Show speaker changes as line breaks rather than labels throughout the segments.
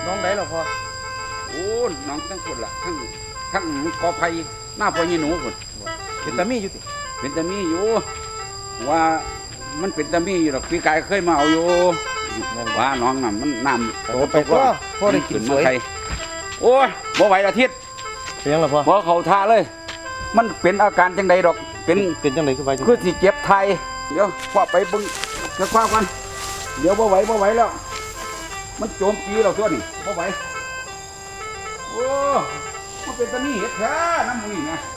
น้องไหนหรอพ่อ
โอ้น้องทั้งคนละทั้งกอไผ่หน้าพ่อยี่หนูคน
เป็นตามีอยู่ติ
เป็นตามีอยู่ว่ามันเป็นตามีอยู่หรอกพี่กายเคยมาเอาอยู่ว่าน้องน่ะมันน้ำโต
ไปพ่อได้กินสวย
โอ้ยบ่ไหวอาทิตย์
เสียงหรอพ่อ
บ่เขาท่าเลยมันเป็นอาการจังใดดอก
เป็นจังไดคือไป
คือสิเจ็บไทยเดี๋ยวพ่อไปบึงจะคว้ากันเดี๋ยวบ่ไหวแล้วมันโจมตีเราตัวนี่บ่ไหวโอ้มันเป็นตามีเห็ดแท้น้ำมือนะ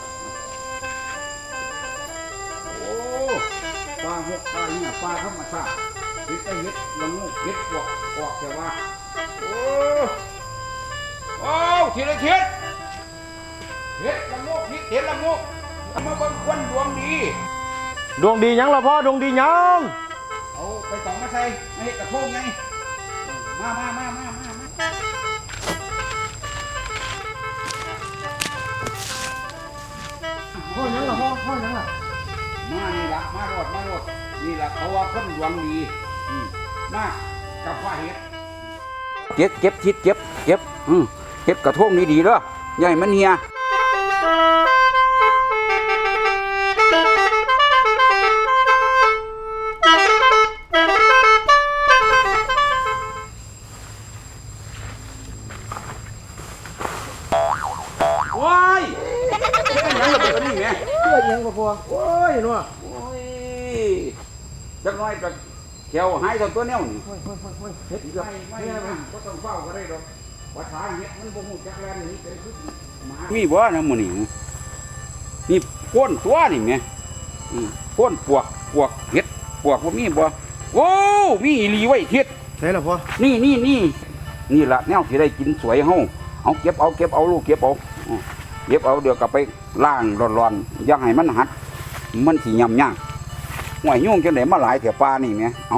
โอ้ปลาหกปลาเนี่ยปลาธรรมชาติเห็ดเห็ดละงูเห็ดปวกแต่ว่าโอ้ทีละเห็ดละงูเห็ดละงูมาบนควันดวงดี
ยังหรอพ่อดวงดียัง
เอาไปสองมาใส่ให้กระทงไงมา
พ่อยังหรอพ่อยังหรอ
มานี่ละมารถนี่ละเขาว่าคนดวงดีมากับผ้าเห็ดเก็บเก็บกระทงดีๆเด้อใหญ่มันเฮียว้ายยังระเบิดนี่แม่
ยังบ่พอโอ้ยนัว
โอ้ยจักน้อยก็เขียวหายตัวแนวนี่
เฮ็ด
ไม่ก็ต้องเฝ้าก็ได้ดอกว่าทางเฮ็ดมันบ่ฮู้จักแลนนี่เป็นคือมีบ่นะมื้อนี้นี่ก้นตัวนี่แม่ก้นปวกเฮ็ดปวกบ่มีบ่โอ้มีอีหลีไว้เฮ็ด
ใช่ล่ะพ่อ
นี่ล่ะแนวสิได้กินสวยเฮาเอาเก็บเอาลูกเก็บเอาเดี๋ยวกลับไปล้างร้อนๆอย่าให้มันหัดมันสิยำยากห่วยยุ่งจังได๋มาหลายแถวป่านี่แม่เอา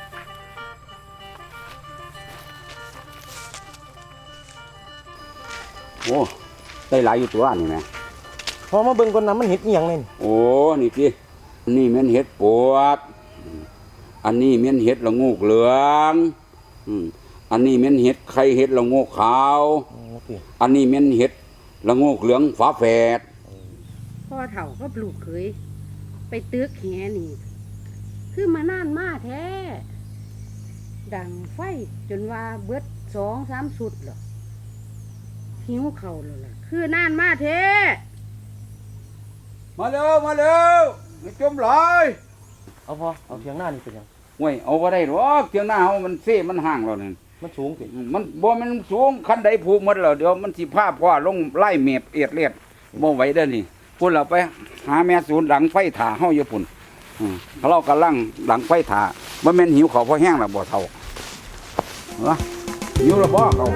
โอ้ได้หลายอยู่ตัวนี่แม่
พอมาเบิ่งก่อนนะมันเฮ็ดอีหยังนี่
โอ้นี่ตินี่แม่นเฮ็ดปวกอันนี้แม่นเฮ็ดละงูกเหลืองอันนี้แม่นเห็ดไข่เห็ดละโงกขาวอันนี้แม่นเห็ดละโงกเหลืองฝาแฝด
พ่อเฒ่าก็ปลูกเคยไปตึกแหนี่คือมานานมาแท้ดังไฟจนว่าเบิด2-3 สุดหรอหิวเข่าแล้วล่ะคือนานมาแท้
มาเร็วไม่จมหลาย
เอาพอเอาเทียงหน้านี่เป็นยัง
ห่วยเอาบ่ได้หรอกเทียงหน้าเฮามันเซ่มันห่างแล้วนี่
มันสูงสิ
มันบ่มันสูงคันใดผูกหมดแล้วเดี๋ยวมันสิพาพ่อลงไล่เมบเอียดเลียดบ่ไหวเด้อนี่พุ่นเราไปหาแม่ศูนย์หลังไฟถ่าเฮาอยู่พุ่นเรากำลังหลังไฟถ่าบ่แม่นหิวข้าวพอแห้งแล้วบ่เฒ่าหิวแล้วบ่เขา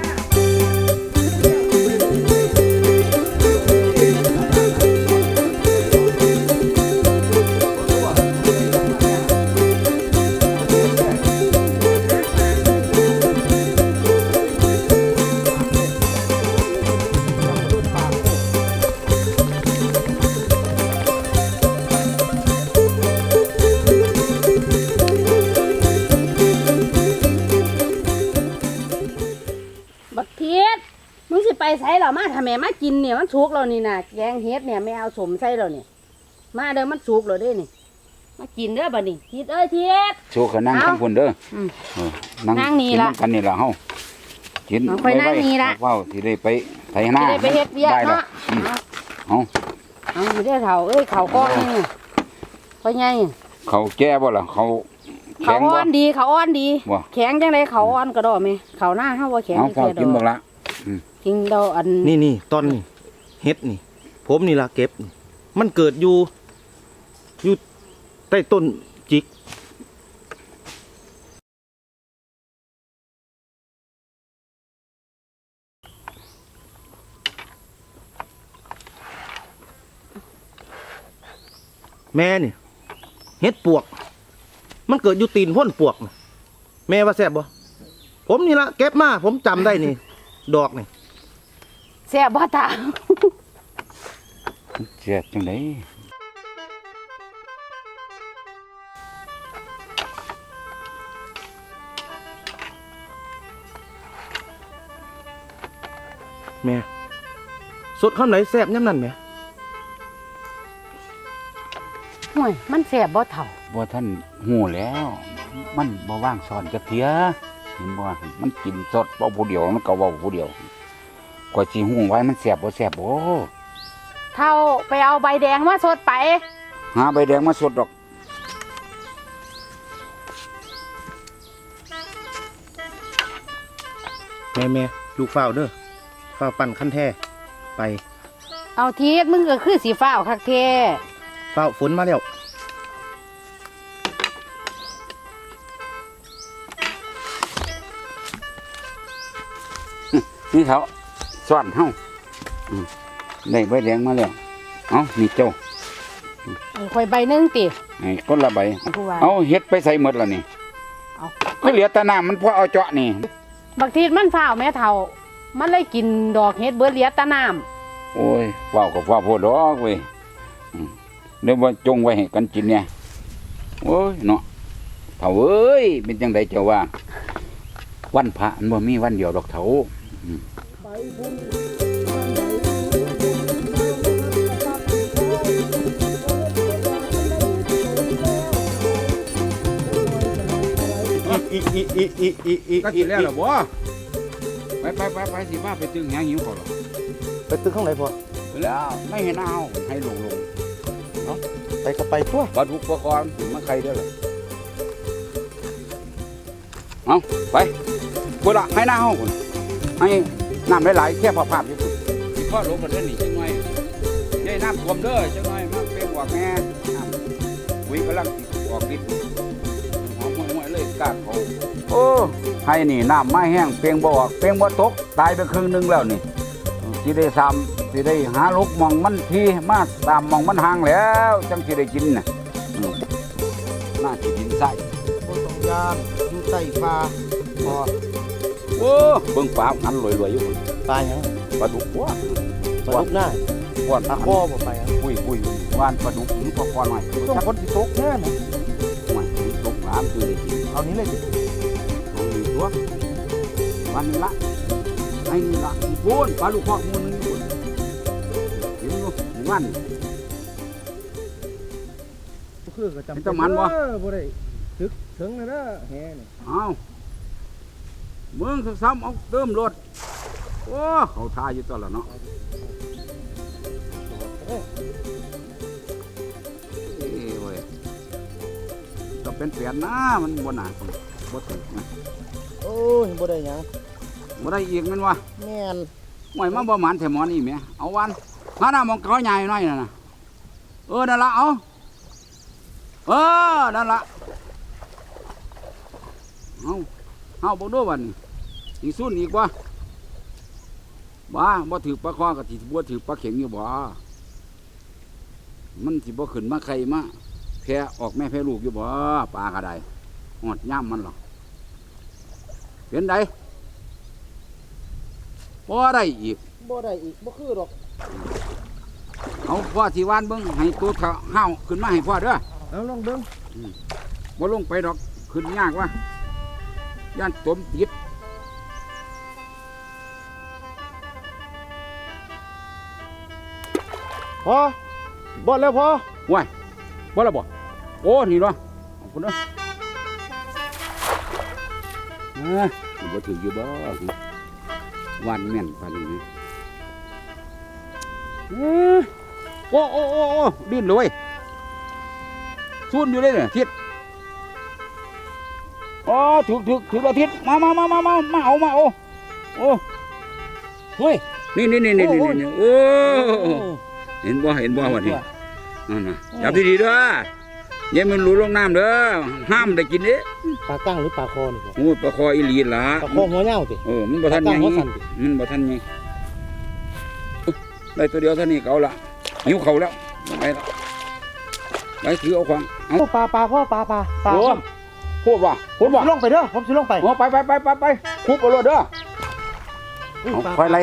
ไปใส่เรามาทำแม่มากินเนี่ยมันสุกเรานี่นะแกงเฮ็ดเนี่ยไม่เอาสมใส่เราเนี่ยมาเด้อมันสุกเราเด้นี่มากินเด้อบัดนี้ทิดเอ้ยทิด
โชว์ขนั่งทั้งคนเด้อ
นั่งนี่ละ
กันนี่ละเฮากิน
ไปนั่งนี่ละ
เฝ้าที่ได้ไปไถนา
ไปเฮ็ดเวียกเนาะ
เอา
อยู่ได้เฒ่าเอ้ยเขาก้อนนี่เพราะไง
เขาแก่บ่ล่ะเขา
อ่อนดีแข็งจังไดเขาอ่อนกระดอไหมเขาหน้าเฮาบ่แข็ง
แค่ดอกกินบ่ละ
กินดอกอัน
นี่ตอนนี้เฮ็ดนี่ผมนี่ล่ะเก็บมันเกิดอยู่ใต้ต้นจิกแม่นี่เฮ็ดปวกมันเกิดอยู่ตีนพ่นปวกแม่ว่าแซ่บบ่ผมนี่ล่ะเก็บมาผมจำได้นี่ดอกนี่
แซ่บบ่ตา
แซ่บจังได๋
แม่สดคำไหนแซ่บย่ำนั่นแม่
ห่วยมันแสบบ่เถ่า
บ่ท่านหูแล้ว มันบ่ว่างสอนกะเทียเห็นบ่มันกินสดเว้าผู้เดียวมันก็เว้าผู้เดียวกว่าสิหูไว้มันแซ่บบ่แซ่บบ่
เท่าไปเอาใบแดงมาสดไป
หาใบแดงมาสดดอก
แม่ลูกฝ้าวเด้อฝ้าวปั่นขั้นแท้ไป
เอาทีดมึงก็คือสีฟ้าวคักแท้
ฝ้าวฝนมาแล้ว
นี่เขาซ่อนเฮาได้ใบแดงมาแล้วเอานี่เจ้า
เอาข่อยใบหนึงติ
ให้คนละใบ
ผู้ว่า
เอาเฮ็ดไปใส่หมดแล้วนี่
เอา
ก็เหลือแต่น้ำมันพอเอาเจาะนี่
บักทีดมันฟ้าวแม่เท่ามันเลยกินดอกเฮ็ดเบิดเหลียแตะน้ำ
โอ้ยว้าวกับว้าวโพดดอกเว้ยเดี๋ยวว่าจงไว้ให้กันกินเนี่ยโอ้ยเนาะเฒ่าเอ้ยเป็นจังไดเจ้าว่า วันพระมันบ่มีวันเดียวดอกเฒ่าก็กินแล้วเหรอบ่ไปสิว่าไปตึงแหงหิวเขาหรอ
ไปตึกข้างไหนพอ
แล้วไม่เห็นเอาให้ลง
ไปก็ไปตัว
ปลาดุกปลากรถึงมาใครได้หรอเอาไปกูละให้หน้าห้องคุณให้น้ำหลายๆแค่พอภาพอยู่คุณสิพ่อลงกันเด้อนี่จังหน่อยได้น้ำท่วมเด้อจังหน่อยมาเปรี้ยวออกแม่ปุ๋ยกำลังออกฤทธิ์หอมห่วยๆเลยกาดเขาโอ้ให้นี่น้ำไม่แห้งเปรี้ยงบ่ออกเปรี้ยงบ่ตกตายไปครึ่งนึงแล้วนี่สิได้ซ้ำสิได้หาลูกมองมันทีมาตามมองมันห่างแล้วจังสิได้กินน่ะน่าสิกินไส้
บนสองยานอยู่ใต้ฟ้าพอ
โอ้เบิ่งปลาหันรวยๆอยู่พุ่น
ตายยัง
ปลาดุกว้า
ปลาดุกหน้า
ก้อน
ตาข้อบ่ไปอ่ะ
ปุ้ยว่านปลาดุกหรือปลาคอนหน่อย
ต้องคนที่ตกแน่นะ
หน่อยตกน้ำคือได้กิน
เอานี้เลยสิ
ตรงนี้ตัววันละไอ้นี่ละอีกปูนปลาลูกคอกมูลนึงอยู่เห็นอยู่มัน
คือก็จำ
เป็นตะมันบ่
บ่ได้ถึกถึงเลยนะแฮนี่
เอาเมืองสักซ้ำเอาเติมรถโอ้เขาทาอยู่ตลอดเนาะเอ้ยเว้ยก็เป็นแผนนะมันบ่หนาบ่ถึงนะ
โอ้ยบ่ได้หยัง
บ่ได้อีกแม่นวะ
แม่น
หวยมาบ่หมานแถมหมอนี่แหม่เอาวันหาหน้ามองเขาใหญ่หน่อยน่ะนะนั่นละเอานั่นละเอาบ่ดูวันนี้อีกซุ่นอีกว่าบ่ถือปลาคอกับที่บัวถือปลาเข็งอยู่บ่มันสิบ่ขึ้นมาใครมาแพ้ออกแม่แพ้ลูกอยู่บ่ปลากระไดหอดย่ำมันหรอกเป็นไดบ่ได้อีก
บ่ได้อีกบ่คือหรอก
เอาพ่อที่วานเบิ่งให้ตัวห้าวขึ้นมาให้พ่อเด้อ
เอาลองเบิ่ง
บ่ลงไปดอกขึ้นยากวะย่านตมติด
พอบ่แล้วพอ
ว้ายบ่ละบ่โอ้นี่เนาะขอบคุณเด้อบ่ถืออยู่บ่วันแม่นปานนี้โอ้ดิ้นเลยซุ่นอยู่เลยเนี่ยทิศถือละทิศมาเอาโอ้เฮ้ยนี่โอ้เห็นบ่วันนี้นั่นน่ะจับดีๆเด้ออย่ามันหลุดลงน้ำเด้อห้ามได้กินเด้
ปลากั้งหรือปลาคอนี่
โอ้ปลาคออีหลีล่ะ
ปลาคอหัวเหย้าติ
มันบ่ทัน
ปลากั้
ยัง
งหัวสั่นติ
มันบ่ทันยังได้ตัวเดียวเท่านี้ก็เอาละหิวเขาแล้วไปละไปถือเอาของเอา
โอ้ปลาพ่อปลา
โอ้พูดว่า
ผมสิลงไปเด้อผมสิลงไป
โอ้ไปคุบเอารถเด้อเอาคอยไร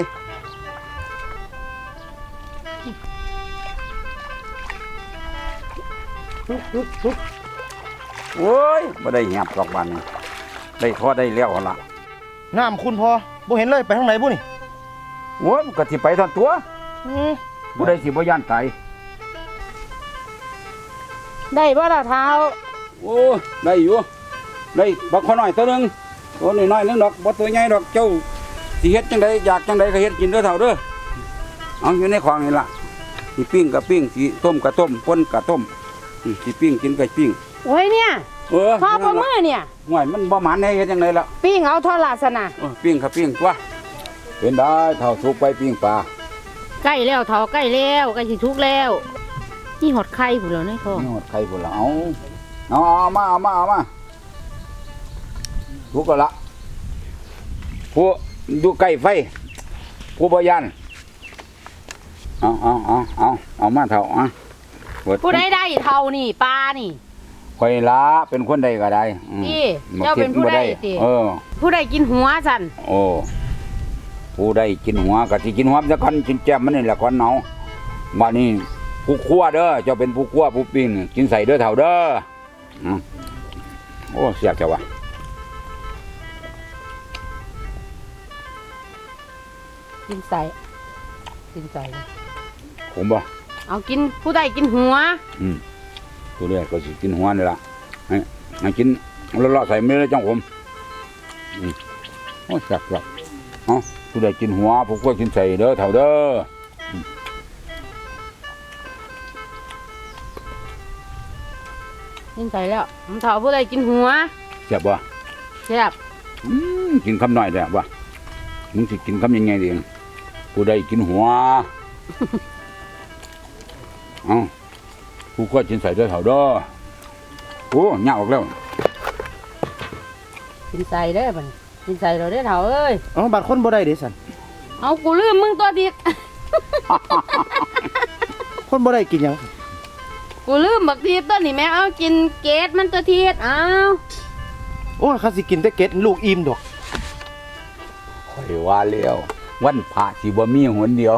โอ้ยบ่ได้แหบดอกบานนี่ได้พอได้แล้วละ
น้ำคุณพอบ่เห็นเลยไปทางไหนบุนี่
โอ้ยก็สิไปทอนตัวผู้ใดสิบ่ย่านตาย
ได้บ่ล่ะเท้า
โอ้ได้อยู่ได้บักขอน้อยตัวหนึงตัวน้อยๆนึงดอกบ่ตัวใหญ่ดอกเจ้าสิเฮ็ดจังไดอยากจังไดก็เฮ็ดกินเด้อเฒ่าเด้อเอาอยู่ในของนี่ล่ะสิปิ้งก็ปิ้งสิต้มก็ต้มป่นก็ต้มสิปิ้งกินก็ปิ้ง
โอ้ยเนี่ย พ่อประมือเนี่ย
ห่วยมันบ่หมานให้เฮ็ดจังไดล่ะ
ปิ้งเอาทอดลาสนะ
ปิ้งก็ปิ้งตัวเป็นได้เฒ่าสุกไปปิ้งปลา
ใกล้แล้วเท้าใกล้แล้วใกล้สิทุกแล้วนี่หอดไข่พุ่นแล้วในท้อง
นี่หมดไข่พุ่นละเอามาทุกก็ละผู้ดูใกล้ไฟผู้บ่ยันเอามาเท่า
ผู้ใดได้เท่านี่ปลานี่
ข่อยละเป็นคนใดก็ได้
นี่เจ้าเป็นผู้ใดติ ผู้ใดกินหัวสัน
โอ้ผู้ใดกินหัวก็สิกินหัวซะก่อนกินแจ่มมันนี่แหละก่อนเนาบัดนี้ผู้คั่วเด้อเจ้าเป็นผู้คั่วผู้ปิ้งกินใส่เด้อเท่าเด้อโอ้เสียบจังวะ
กินใส่
ผมบ่
เอากินผู้ใดกินหัว
ตัวเรียกก็สิกินหัวนี่ล่ะให้กินเลาะๆใส่ไม่ได้จังผมโอ้แซ่บเอาผู้ใดกินหัวผู้ก็กินใส่เด้อเท่าเด้อ
กินใส่แล้วมันเท่าผู้ใดกินหัว
แซ่บบ่
แซ่บ
กินคำหน่อยแต่บ่มึงสิกินคำยังไงดีผู้ใดกินหัวเอาผู้ก็กินใส่เด้อเท่าเด้อโอ้ยากออกแล้ว
กินใส่เด้อบัดกินใส่เราได้อเท่าเอ้ย
เอาบัตรคนบ่ได้เด้สัน
เอากูลืมมึงตัวดิก
คนบ่ได้กินหยัง
กูลืมบักทีต้นนี่แม่เอากินเกตมันตัวทีดเอา
โอ้ยเขาสิกินแต่เกล็ดลูกอิ่มดอก
ข่อยว่าแล้ววันพระสิบ่มีหนเดียว